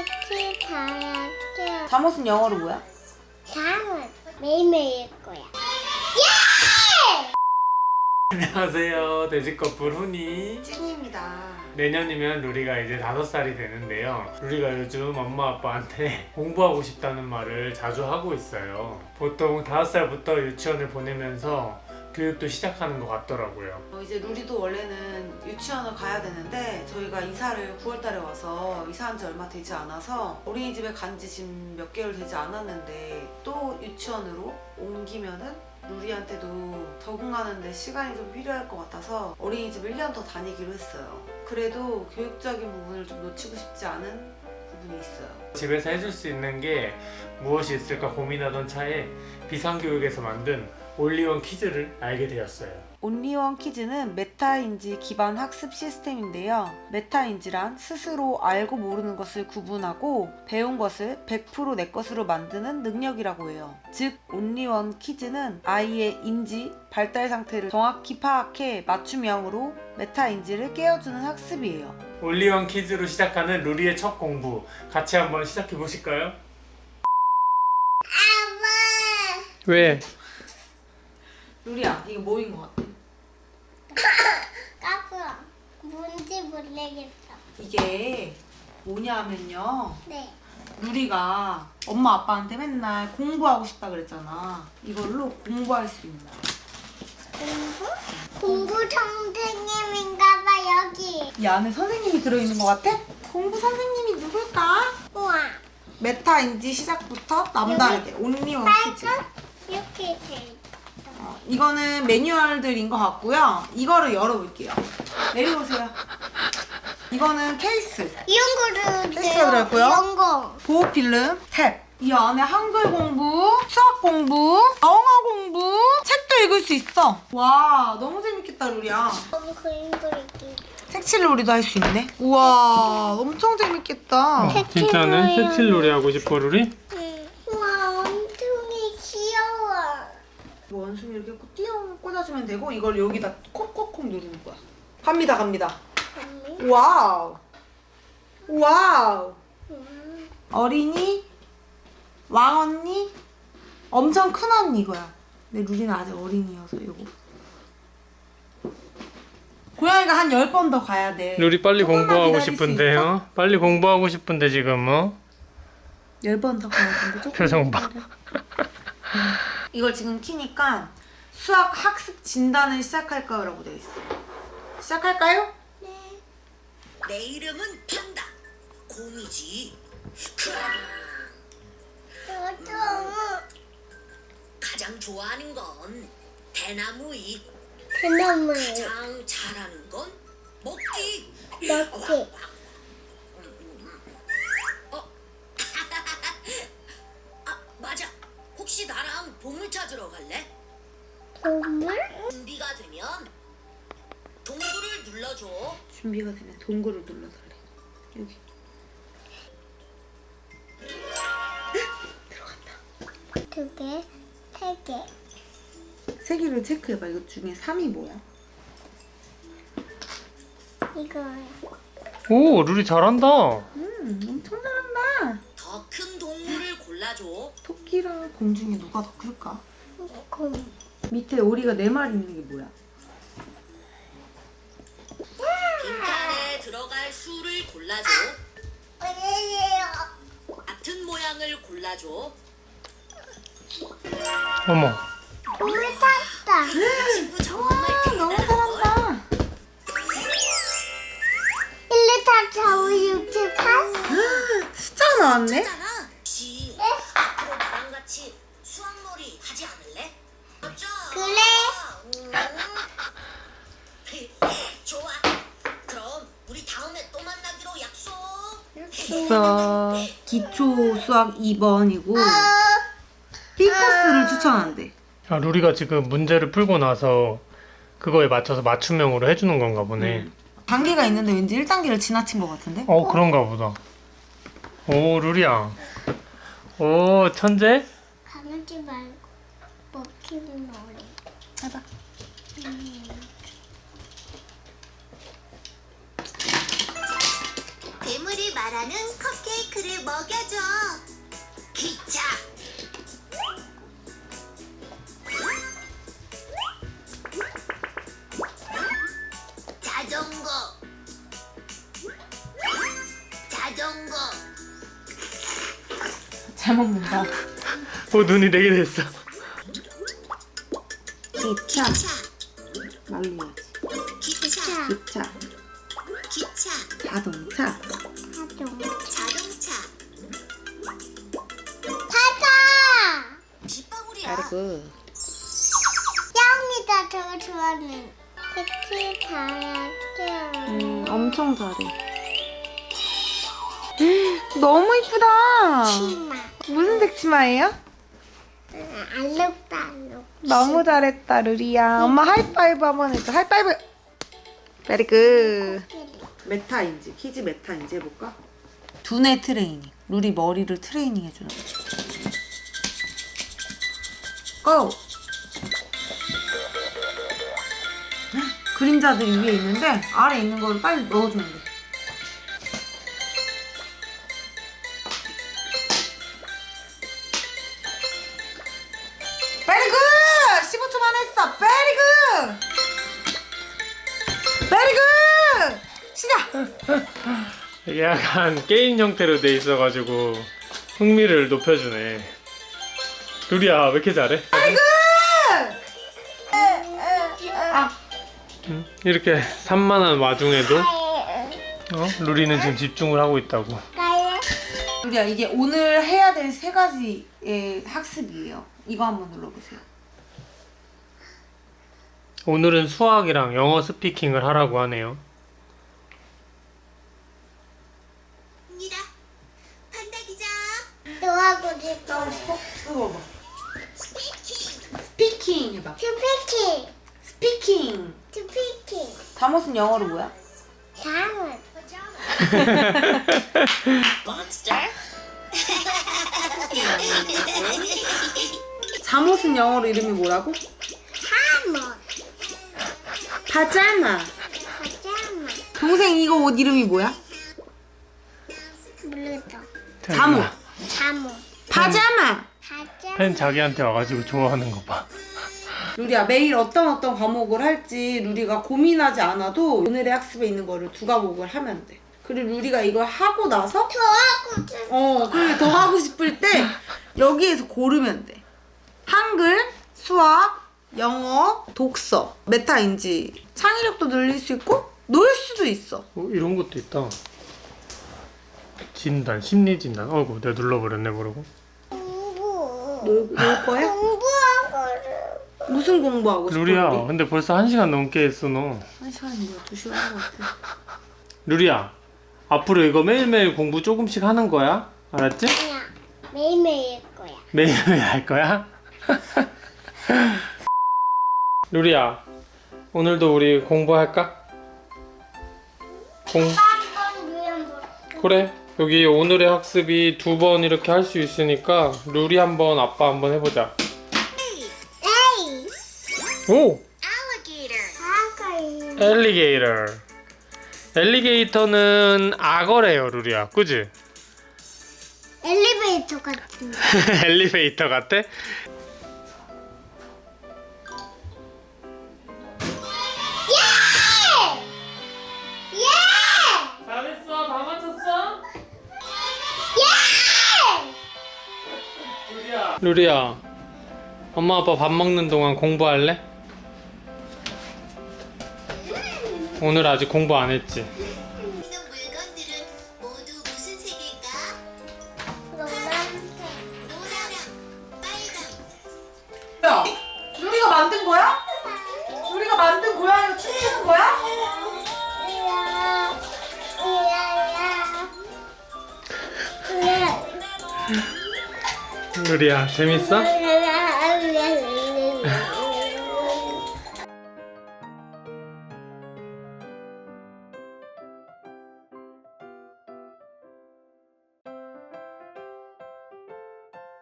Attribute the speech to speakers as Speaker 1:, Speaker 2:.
Speaker 1: 색칠 잘했죠.
Speaker 2: 잠옷은 영어로 뭐야?
Speaker 1: 다음은 매일매일 거야.
Speaker 3: 안녕하세요. 돼지꺼풀 훈이
Speaker 2: 찐입니다.
Speaker 3: 내년이면 루리가 이제 5살이 되는데요. 루리가 요즘 엄마 아빠한테 공부하고 싶다는 말을 자주 하고 있어요. 보통 5살부터 유치원을 보내면서 교육도 시작하는 것 같더라고요.
Speaker 2: 이제 루리도 원래는 유치원을 가야 되는데 저희가 이사를 9월달에 와서 이사한 지 얼마 되지 않아서 어린이집에 간 지 지금 몇 개월 되지 않았는데 또 유치원으로 옮기면은 루리한테도 적응하는데 시간이 좀 필요할 것 같아서 어린이집 1년 더 다니기로 했어요. 그래도 교육적인 부분을 좀 놓치고 싶지 않은 부분이 있어요.
Speaker 3: 집에서 해줄 수 있는 게 무엇이 있을까 고민하던 차에 비상교육에서 만든 올리원 퀴즈를 알게 되었어요.
Speaker 2: 온리원 퀴즈는 메타인지 기반 학습 시스템인데요. 메타인지란 스스로 알고 모르는 것을 구분하고 배운 것을 100% 내 것으로 만드는 능력이라고 해요. 즉, 온리원 퀴즈는 아이의 인지, 발달 상태를 정확히 파악해 맞춤형으로 메타인지를 깨워주는 학습이에요.
Speaker 3: 올리원 퀴즈로 시작하는 루리의 첫 공부 같이 한번 시작해 보실까요? 왜?
Speaker 2: 루리야, 이게 뭐인 것 같아?
Speaker 1: 까불어. 뭔지 모르겠어.
Speaker 2: 이게 뭐냐면요.
Speaker 1: 네.
Speaker 2: 루리가 엄마 아빠한테 맨날 공부하고 싶다 그랬잖아. 이걸로 공부할 수 있는 거야.
Speaker 1: 공부 선생님인가봐 여기.
Speaker 2: 이 안에 선생님이 들어있는 것 같아? 공부 선생님이 누굴까?
Speaker 1: 우와.
Speaker 2: 메타인지 시작부터 남다르게 온리원 퀴즈.
Speaker 1: 빨간 이렇게 돼 있다.
Speaker 2: 이거는 매뉴얼들인 것 같고요. 이거를 열어볼게요. 내려오세요. 이거는 케이스.
Speaker 1: 이런 거를
Speaker 2: 케이스가 들어있고요.
Speaker 1: 이런 거.
Speaker 2: 보호필름, 탭. 이 안에 한글 공부, 수학 공부, 영어 공부, 책도 읽을 수 있어. 와, 너무 재밌겠다, 루리야.
Speaker 1: 여기 그림 그리기.
Speaker 2: 색칠놀이도 할 수 있네. 우와, 엄청 재밌겠다.
Speaker 3: 진짜는 색칠놀이 하고 싶어 루리?
Speaker 1: 응. 우와 엄청이 귀여워.
Speaker 2: 원숭이 이렇게 꽂아주면 되고 이걸 여기다 콕콕콕 누르는 거야. 갑니다, 갑니다. 와우. 와우. 어린이, 왕언니, 엄청 큰 언니 이거야. 근데 루리는 아직 어린이여서 이거. 고양이가 한 10번 더 가야 돼.
Speaker 3: 루리 빨리
Speaker 2: 조금만
Speaker 3: 공부하고
Speaker 2: 기다릴 수
Speaker 3: 싶은데
Speaker 2: 있어?
Speaker 3: 요 빨리 공부하고 싶은데 지금
Speaker 2: 10번 더 가야 되는데 조금
Speaker 3: 표정 봐.
Speaker 2: 이걸 지금 키니까 수학 학습 진단을 시작할까요라고 되어 있어. 시작할까요?
Speaker 1: 네.
Speaker 4: 내 이름은 판다. 곰이지.
Speaker 1: 저도
Speaker 4: 가장 좋아하는 건 대나무잎.
Speaker 1: 대나무
Speaker 4: 가장 잘하는 건 먹기.
Speaker 1: 먹기.
Speaker 4: 아, 맞아. 혹시 나랑 보물 찾으러 갈래?
Speaker 1: 동물?
Speaker 4: 준비가 되면 동굴을 눌러줘.
Speaker 2: 준비가 되면 동굴을 눌러달래. 여기. 들어간다.
Speaker 1: 2개, 3개.
Speaker 2: 세 개를 체크해봐. 이거 중에 3이 뭐야?
Speaker 1: 이거요.
Speaker 3: 오 루리 잘한다.
Speaker 2: 엄청 잘한다.
Speaker 4: 더 큰 동물을 골라줘.
Speaker 2: 토끼랑 곰 중에 누가 더 클까?
Speaker 1: 곰.
Speaker 2: 밑에 오리가 4마리 있는 게 뭐야?
Speaker 4: 빈칸에 들어갈 수를 골라줘.
Speaker 1: 어디에요?
Speaker 4: 같은 모양을 골라줘.
Speaker 3: 어머.
Speaker 1: 곰을 탔다.
Speaker 4: 친구 정말
Speaker 2: 너무
Speaker 4: 대단한 걸.
Speaker 2: 잘한다.
Speaker 1: 1, 2, 3, 4, 5, 6, 7, 8.
Speaker 2: 숫자 나왔네?
Speaker 4: 있잖아. 혹시 앞으로 나랑 같이 수학놀이 하지 않을래? 맞아.
Speaker 1: 그래.
Speaker 4: 좋아. 그럼 우리 다음에 또 만나기로 약속.
Speaker 2: 수학 기초 수학 2번이고 B코스를 추천한대.
Speaker 3: 아, 루리가 지금 문제를 풀고 나서 그거에 맞춰서 맞춤형으로 해주는 건가 보네.
Speaker 2: 단계가 있는데 왠지 1단계를 지나친 것 같은데?
Speaker 3: 그런가 보다. 오 루리야. 오 천재?
Speaker 1: 가만지 말고 먹히는 놀이.
Speaker 2: 해봐.
Speaker 4: 괴물이 소리 말하는 컵케이크를 먹여줘. 기차. 자전거. 자전거.
Speaker 5: 잘 먹는다.
Speaker 3: 눈이 4개 됐어.
Speaker 5: 기차.
Speaker 4: 기차.
Speaker 5: 말로 해야지.
Speaker 4: 기차.
Speaker 5: 기차.
Speaker 4: 기차.
Speaker 5: 자동차.
Speaker 4: 자동차.
Speaker 1: 타자.
Speaker 4: 빗방울이야.
Speaker 5: 그리고
Speaker 1: 야옹이가 더 좋아하는 택시 타야죠.
Speaker 5: 엄청 잘해. 너무 이쁘다.
Speaker 1: 치마.
Speaker 5: 무슨 색 치마예요?
Speaker 1: 알록달록.
Speaker 5: 너무 잘했다 루리야. 엄마 하이파이브 한번 해줘. 하이파이브. 베리 굿. 메타인지 키즈 메타인지 해볼까? 두뇌 트레이닝. 루리 머리를 트레이닝 해주는 거. 고! 그림자들이 위에 있는데 아래 있는 거를 빨리 넣어주면 돼. 베리 굿! 15초만 했어. 베리 굿! 베리 굿! 시작!
Speaker 3: 이게 약간 게임 형태로 돼 있어가지고 흥미를 높여주네. 루리야 왜 이렇게 잘해? 이렇게 산만한 와중에도 루리는 지금 집중을 하고 있다고.
Speaker 5: 루리야 이게 오늘 해야 될 3가지의 학습이에요. 이거 한번 눌러보세요.
Speaker 3: 오늘은 수학이랑 영어 스피킹을 하라고 하네요.
Speaker 4: 입니다. 판다 기자.
Speaker 1: 너하고 싶어.
Speaker 5: 이거 봐봐.
Speaker 4: 스피킹.
Speaker 5: 스피킹 해봐.
Speaker 1: 투피키.
Speaker 5: 스피킹.
Speaker 1: 투피키.
Speaker 5: 잠옷은 영어로 뭐야?
Speaker 1: 다음은.
Speaker 4: 몬스터.
Speaker 5: 잠옷은 영어로 이름이 뭐라고?
Speaker 1: 잠옷.
Speaker 5: 파자마.
Speaker 1: 파자마.
Speaker 5: 동생 이거 옷 이름이 뭐야?
Speaker 1: 물르다.
Speaker 5: 잠옷.
Speaker 1: 잠옷.
Speaker 5: 파자마.
Speaker 1: 파자마.
Speaker 3: 팬 자기한테 와가지고 좋아하는 거 봐.
Speaker 5: 루리야 매일 어떤 과목을 할지 루리가 고민하지 않아도 오늘의 학습에 있는 거를 2과목을 하면 돼. 그리고 루리가 이걸 하고 나서
Speaker 1: 더하고 싶어.
Speaker 5: 그리고 더 하고 싶을 때 여기에서 고르면 돼. 한글, 수학, 영어, 독서, 메타인지 창의력도 늘릴 수 있고 놀 수도 있어.
Speaker 3: 이런 것도 있다. 진단, 심리 진단. 어이구 내가 눌러버렸네 모르고.
Speaker 1: 공부.
Speaker 5: 놀 거야?
Speaker 1: 공부하고.
Speaker 5: 무슨 공부하고 싶어?
Speaker 3: 루리야
Speaker 5: 루리?
Speaker 3: 근데 벌써 1시간 넘게 했어 너.
Speaker 5: 1시간이 뭐야? 2시간 한 것 같아.
Speaker 3: 루리야 앞으로 이거 매일매일 공부 조금씩 하는 거야? 알았지?
Speaker 1: 그냥 매일매일 할 거야.
Speaker 3: 매일매일 할 거야? 루리야 오늘도 우리 공부할까?
Speaker 1: 한번 누워볼까?
Speaker 3: 그래 여기 오늘의 학습이 2번 이렇게 할 수 있으니까 루리 한번 아빠 한번 해보자.
Speaker 1: 에이.
Speaker 3: 오!
Speaker 4: Alligator.
Speaker 1: 아까
Speaker 3: 엘리게이터. 엘리게이터는 악어래요 루리야 그지?
Speaker 1: 엘리베이터 같은데.
Speaker 3: 엘리베이터 같아?
Speaker 1: 예!
Speaker 3: 잘했어 다 맞췄어?
Speaker 1: 예!
Speaker 3: 루리야 엄마 아빠 밥 먹는 동안 공부할래? 오늘 아직 공부 안 했지?
Speaker 4: 있는 물건들은 모두 무슨 색일까?
Speaker 1: 노란색.
Speaker 4: 노랑, 빨강.
Speaker 5: 야, 루리가 만든 거야? 루리가 만든 고양이를 춤추는 거야?
Speaker 3: 루리야 재밌어?
Speaker 1: 이야.